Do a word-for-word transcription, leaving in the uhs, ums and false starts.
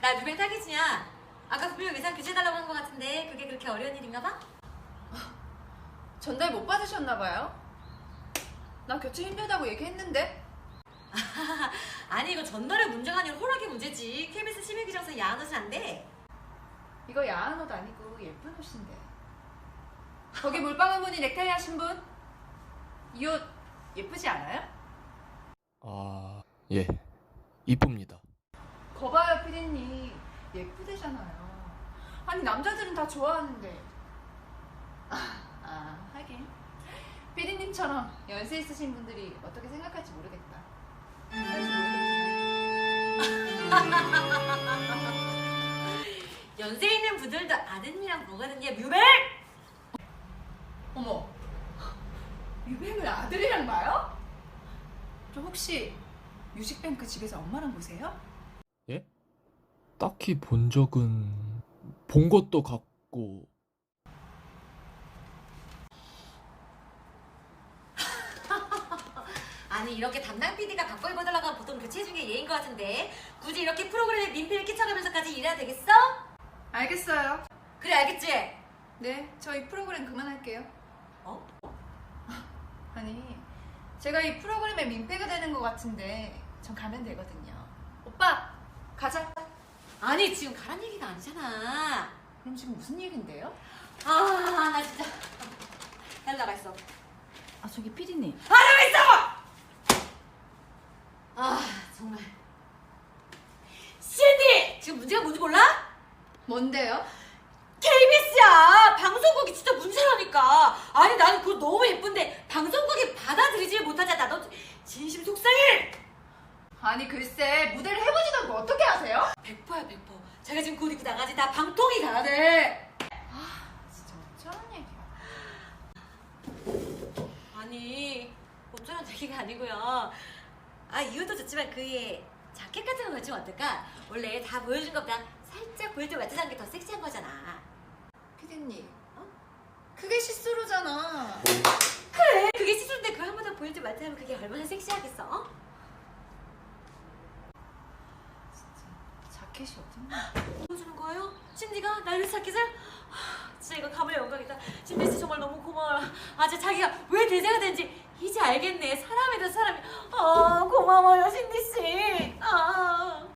야, 뮤뱅 타깃이냐? 아까 분명 의상 교체해달라고 한 것 같은데 그게 그렇게 어려운 일인가 봐? 전달 못 받으셨나봐요? 나 교체 힘들다고 얘기했는데? 아니 이거 전달의 문제가 아니라 호락의 문제지. 케이비에스 심의규정상 야한 옷은 안 돼. 이거 야한 옷 아니고 예쁜 옷인데. 거기 물방울 무늬 넥타이 하신 분? 이 옷 예쁘지 않아요? 아, 예. 이쁩니다. 거봐요 피디님, 예쁘대잖아요. 아니 남자들은 다 좋아하는데. 아, 아 하긴 피디님처럼 연세 있으신 분들이 어떻게 생각할지 모르겠다. 그래서 모르겠지만. 연세 있는 분들도 아드님이랑 뭐거든요. 뮤뱅! 어머, 유뱅을 아들이랑 봐요? 저 혹시 뮤직뱅크 집에서 엄마랑 보세요? 예? 딱히 본 적은 본 것도 같고. 아니 이렇게 담당 피디가 바꿔 입어달라고 하면 보통 교체 중에 예인 것 같은데 굳이 이렇게 프로그램에 민폐를 끼쳐가면서까지 일해야 되겠어? 알겠어요. 그래 알겠지? 네, 저 이 프로그램 그만할게요. 어? 아니, 제가 이 프로그램에 민폐가 되는 것 같은데 전 가면 되거든요. 오빠, 가자. 아니 지금 가란 얘기가 아니잖아. 그럼 지금 무슨 얘긴데요? 아 나 진짜 날 나가 있어. 아 저기 피디님. 아 나가 있어! 아 정말 신디! 지금 문제가 뭔지 몰라? 뭔데요? 케이비에스야! 방송국이 진짜 문제라니까. 아니 나는 그거 너무 예쁜데 방송국이 받아들이질 못하잖아. 너 진심 속상해! 아니 글쎄, 무대를 해보지도 않고 어떻게 하세요? 백 퍼야 백 퍼. 제가 지금 곧 입고 나가지. 나 방통이 가야 돼. 아, 진짜 어쩌란 얘기야. 아니 어쩌란 얘기가 아니고요. 아 이것도 좋지만 그 위에 자켓 같은 거 걸치면 어떨까? 원래 다 보여준 것보다 살짝 보여줄 맞춰자는 게 더 섹시한 거잖아. 피디님, 어? 그게 시스루잖아. 그래 그게 시술인데 그걸 한 번 더 보여줄 맞춰하면 그게 얼마나 섹시하겠어? 어? 자켓이 어딨나? 보여주는 거예요? 신디가 날 위해서 자켓을? 하, 진짜 이거 가문의 영광이다. 신디 씨 정말 너무 고마워요. 아 진짜 자기가 왜 대세가 된지 이제 알겠네. 사람에 대한 사람이. 아 고마워요 신디 씨. 아.